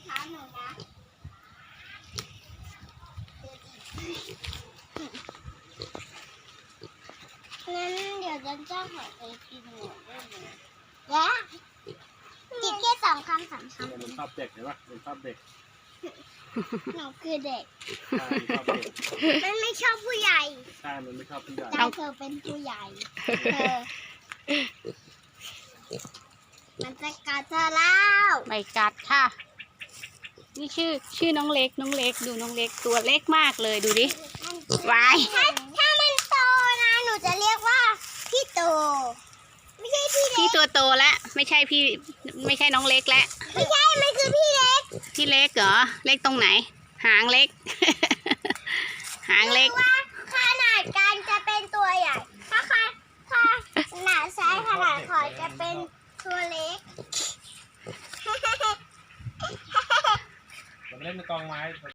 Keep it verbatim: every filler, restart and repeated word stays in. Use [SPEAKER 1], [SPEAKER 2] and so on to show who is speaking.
[SPEAKER 1] คะหนูนะงั้นเดี๋ยวจะจ้างขอไปกินหนูด้วยนะและจิบแค่สองคำสามคำ
[SPEAKER 2] มันชอบเด็กเห็นปะมันชอบเด็ก
[SPEAKER 1] หนูคือเด็ก
[SPEAKER 2] ใช่มันชอบเด็ก
[SPEAKER 1] มันไม่ชอบผู้ใหญ่
[SPEAKER 2] ใช่ มันไม่ชอบผู้ใหญ่
[SPEAKER 1] แต่เธอเป็นผู้ใหญ่เธอมันจะกัดเธอแล้ว
[SPEAKER 3] ไม่กัดค่ะ นี่ชื่อชื่อน้องเล็กน้องเล็กดูน้องเล็กตัวเล็กมากเลยดูดิวาย
[SPEAKER 1] ถ้าถ้ามันโตนะ หนูจะเรียกว่าพี่โต ไม่ใช่พี่เล็
[SPEAKER 3] พี่
[SPEAKER 1] ก
[SPEAKER 3] ตัวโตแล้วไม่ใช่พี่ไม่ใช่น้องเล็กแล้ว
[SPEAKER 1] ไม่ใช่ มันคือพี่เล็ก
[SPEAKER 3] พี่เล็กเหรอเล็กตรงไหน หางเล็ก หางเล็ก
[SPEAKER 1] ว่าขนาดการจะเป็นตัวใหญ่ ถ้าขนาดขนาดซ้ายขนาดขอจะเป็นตัวเล็ก
[SPEAKER 2] เราไปเล่นในกองไม้